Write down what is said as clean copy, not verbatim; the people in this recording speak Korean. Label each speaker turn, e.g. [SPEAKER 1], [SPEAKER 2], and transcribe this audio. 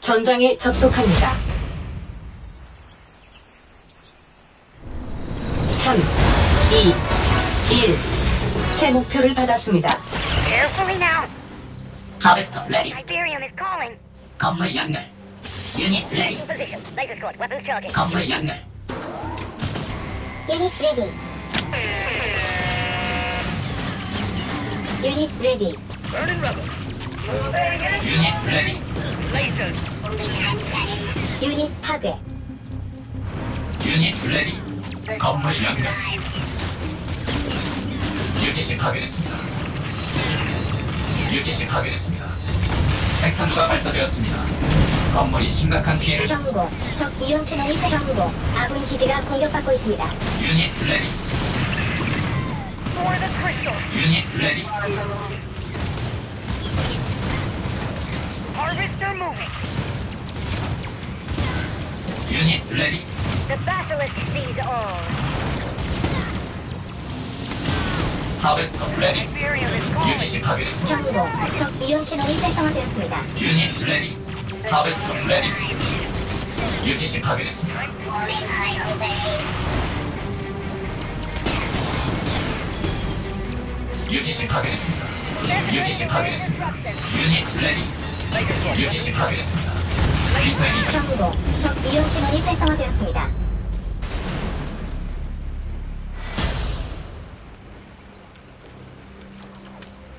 [SPEAKER 1] 전장에 접속합니다. 3, 2, 1. 새 목표를 받았습니다.
[SPEAKER 2] Carefully now.
[SPEAKER 3] 하베스터 레디.
[SPEAKER 2] Iberium is calling.
[SPEAKER 3] 건물 연결. 유닛 레디.
[SPEAKER 2] In position. Laser squad. Weapons charging.
[SPEAKER 3] 건물 연결.
[SPEAKER 4] Unit ready. Unit ready.
[SPEAKER 2] Burning rubber.
[SPEAKER 3] 유닛 레디.
[SPEAKER 2] Lasers.
[SPEAKER 4] 유닛 파괴.
[SPEAKER 3] 유닛 레디. 건물 연결. 유닛이 파괴됐습니다. 유닛이 파괴됐습니다. 핵탄두가 발사되었습니다. 건물이 심각한 피해를.
[SPEAKER 4] 경고. 적 이온 캐논이 경고. 아군 기지가 공격받고 있습니다.
[SPEAKER 3] 유닛 레디.
[SPEAKER 2] For the crystals.
[SPEAKER 3] 유닛 레디.
[SPEAKER 2] Harvester moving.
[SPEAKER 3] 유닛 레디.
[SPEAKER 2] The basilisk sees all.
[SPEAKER 3] 하베스터 레디.
[SPEAKER 2] Iberium is calling.
[SPEAKER 3] 유닛이 파괴됐습니다.
[SPEAKER 4] 경고. 적 이온 캐논이 활성화되었습니다.
[SPEAKER 3] 유닛 레디. 하베스터 레디. 유닛이 파괴됐습니다. 유닛이 파괴됐습니다. 유닛이 파괴됐습니다. 유닛 레디. 유닛이 파괴됐습니다. 미사일이
[SPEAKER 4] 경고. 적 이온 캐논이 활성화되었습니다.